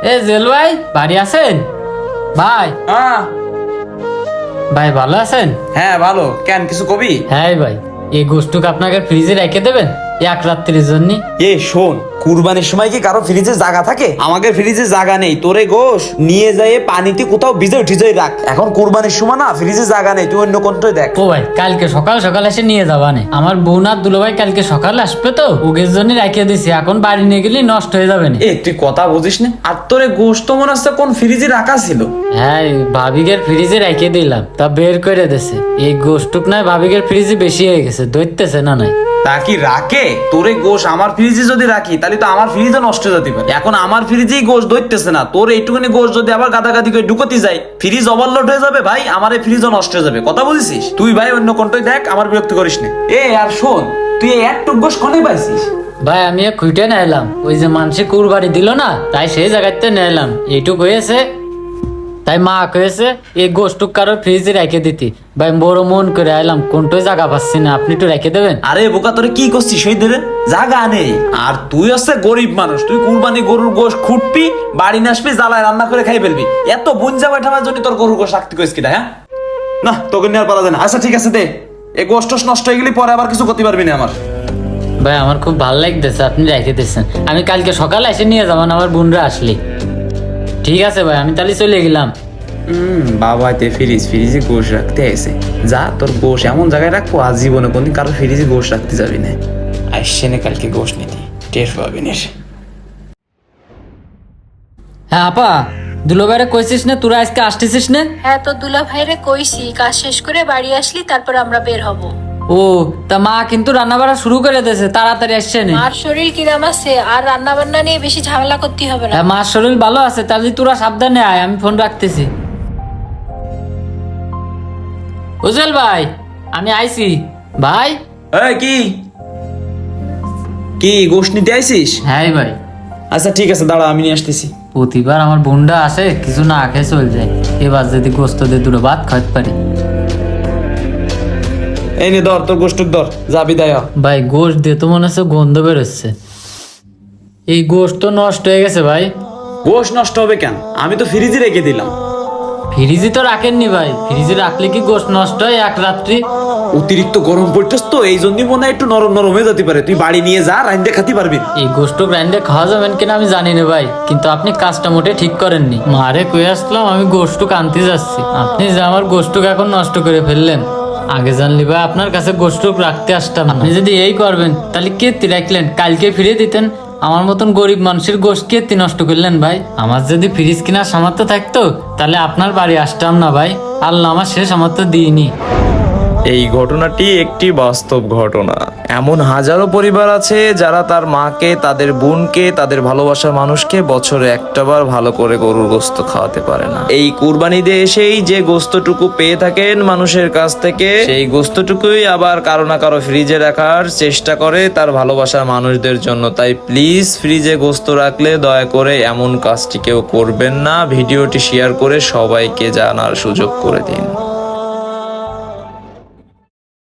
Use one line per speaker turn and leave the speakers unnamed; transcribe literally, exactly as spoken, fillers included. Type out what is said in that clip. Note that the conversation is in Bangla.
এ জেল ভাই বাড়ি আছেন? ভাই
হ্যাঁ
ভাই ভালো আছেন?
হ্যাঁ ভালো। কেন কিছু কবি?
হ্যাঁ ভাই, এই গোষ্ঠটুক আপনাকে ফ্রিজে রেখে দেবেন এক রাত্রির জন্য।
এ শোন, কুরবানির সময় কি কারো ফ্রিজে জায়গা থাকে? আমাকে ফ্রিজে জায়গা নেই, তোরে গোশ নিয়ে যায় পানিতে কোথাও ভিজে ঠিজে রাখ। এখন কুরবানির সময় না, ফ্রিজে জায়গা নেই, তুই অন্য কোনটাই দেখ।
ও ভাই, কালকে সকাল সকাল এসে নিয়ে যাবা নে। আমার বোন আর দুলো ভাই কালকে সকালে আসবে তো, ওগের জন্য রেখে দিছি। এখন বাড়ি নিয়ে গেলে নষ্ট হয়ে যাবে না।
এ তুই কথা বুঝিস না? আর তোরে গোশ তো মনে হচ্ছে কোন ফ্রিজে রাখা ছিল।
হ্যাঁ, ভাবিকের ফ্রিজে রেখে দিলাম, তা বের করে দিছে। এই গোষ্ঠটুক নয় ভাবিকের ফ্রিজে বেশি হয়ে গেছে, ধরতেছে না নাই।
তা কি রাখে? তোরে গোশ আমার ফ্রিজে যদি রাখি তাহলে তো আমার ফ্রিজে নষ্ট হয়ে যেতে পারে। এখন আমার ফ্রিজেই গোশ ধরতেছে না, তোর এইটুকুনি গোশ যদি আবার গাদাগাদি করে ঢুকতে যায়, ফ্রিজ ওভারলোড হয়ে যাবে ভাই, আমার এই ফ্রিজও নষ্ট হয়ে যাবে। কথা বুঝিস? তুই ভাই অন্য কোনটাই দেখ, আমার বিরক্ত করিস না। এ আর শোন, তুই এই একটুক গোশ কনে পাইছিস?
ভাই আমি খুঁটে নিলাম, ওই যে মানুষে কুরবানি দিল না, তাই সেই জায়গাতে নিলাম। এইটুক হয়েছে, তাই মা কয়েছে এই গোষ্ঠটুক কারোর ফ্রিজে রেখে দিতি। ভাই বড় মন করে আইলাম, কোনটাই জায়গা পাচ্ছি না, আপনি একটু রেখে দেবেন।
আরে বোকা, তোরে কি করছিস? সেই ধরে জায়গা নেই। আর তুই হচ্ছে গরিব মানুষ, তুই কুরবানি গরুর গোশ খুঁটবি, বাড়ি নিয়ে আসবি, জ্বালায় রান্না করে খাই ফেলবি। এত বুঞ্জা বেঠাবার জন্য তোর গরুর গোশ রাখতে কইস কিনা? হ্যাঁ না, তোকে নিয়ে আর পারা যায় না। আচ্ছা ঠিক আছে দে, এই গোশ টোশ নষ্ট হয়ে গেলে পরে আবার কিছু করতে পারবি না আমার।
ভাই আমার খুব ভালো লাগতেছে আপনি রেখে দিচ্ছেন, আমি কালকে সকালে এসে নিয়ে যাবেন আমার বোনরা আসলে। ঠিক আছে ভাই, আমি তাহলে চলে গেলাম।
হম বাবা, তে ফ্রিজ ফ্রিজে গোশ রাখতে এসে যা, তোর গোশ এমন জায়গায় রাখবো আজ জীবনে কোনদিন কারো ফ্রিজে গোশ রাখতে যাবি না। আসছে না কালকে গোশ নিতে, টের পাবি না।
হ্যাঁ আপা, দুলো ভাইরে কইছিস না তোরা আজকে আসতেছিস না?
হ্যাঁ, তো দুলা ভাইরে কইছি কাজ শেষ করে বাড়ি আসলি তারপর আমরা বের হব।
ও তা মা কিন্তু রান্না বাড়া শুরু করে দিয়েছে, তাড়াতাড়ি আসছে না।
মার শরীর কিরাম আছে, আর রান্না বান্না নিয়ে বেশি ঝামেলা করতে হবে না।
হ্যাঁ মার শরীর ভালো আছে, তাহলে তোরা সাবধানে আয়, আমি ফোন রাখতেছি। উজ্জ্বল ভাই আমি আইছি ভাই।
এই কি কি গোশ নিতে আইছিস?
হ্যাঁ ভাই।
আচ্ছা ঠিক আছে, দাঁড়া আমি নিয়ে আসতেছি।
প্রতিবার আমার বোনটা আসে কিছু না খেয়ে চলে যায়, এবার যদি গোস্ত দিয়ে দুটো ভাত খাইতে পারি।
এই নে ধর, তোর গোশটুক ধর, যা বিদায় হ।
ভাই গোস্ত দিয়ে তো মনে হচ্ছে গন্ধ বেরোচ্ছে, এই গোস্ত তো নষ্ট হয়ে গেছে ভাই।
গোশ নষ্ট হবে কেন? আমি তো ফ্রিজে রেখে দিলাম।
ফ্রিজে তো রাখেননি ভাই, ফ্রিজে রাখলে কি গোস্ত নষ্ট হয় এক রাত্রি?
অতিরিক্ত গরম পড়তেছ তো, এই জন্যই মনে হয় একটু নরম নরম হয়ে যেতে পারে। তুই বাড়ি নিয়ে যা, রাইন্দে খাতে পারবি।
এই গোস্ত গ্রাইন্ডে খাওয়া যাবেন কিনা আমি জানি না ভাই, কিন্তু আপনি কাজটা মোটে ঠিক করেননি। মারে কয়ে আসলাম আমি গোস্ত আনতে যাচ্ছি, আপনি যে আমার গোস্ত এখন নষ্ট করে ফেললেন। আগে জানলি ভাই আপনার কাছে গোস্ত রাখতে আসতাম না। আপনি যদি এই করবেন তাহলে কেতি রাখলেন, কালকে ফিরে দিতেন। আমার মতন গরিব মানুষের গোস্ত কেতি নষ্ট করলেন ভাই। আমার যদি ফ্রিজ কেনার সামর্থ্য থাকতো তাহলে আপনার বাড়ি আসতাম না ভাই। আল্লাহ আমার সে সামর্থ্য দিইনি।
এই ঘটনাটি একটি বাস্তব ঘটনা। এমন হাজারো পরিবার আছে যারা তার মাকে, তাদের বোনকে, তাদের ভালোবাসার মানুষকে বছরে একটাবার ভালো করে গরুর গোস্ত খাওয়াতে পারে না। এই কুরবানিতে এসেই যে গোস্তটুকু পেয়ে থাকেন মানুষের কাছ থেকে, সেই গোস্তটুকুই আবার কারো না কারো ফ্রিজে রাখার চেষ্টা করে তার ভালোবাসার মানুষদের জন্য। তাই প্লিজ ফ্রিজে গোস্ত রাখলে দয়া করে এমন কাজটি কেউ করবেন না। ভিডিওটি শেয়ার করে সবাইকে জানার সুযোগ করে দিন।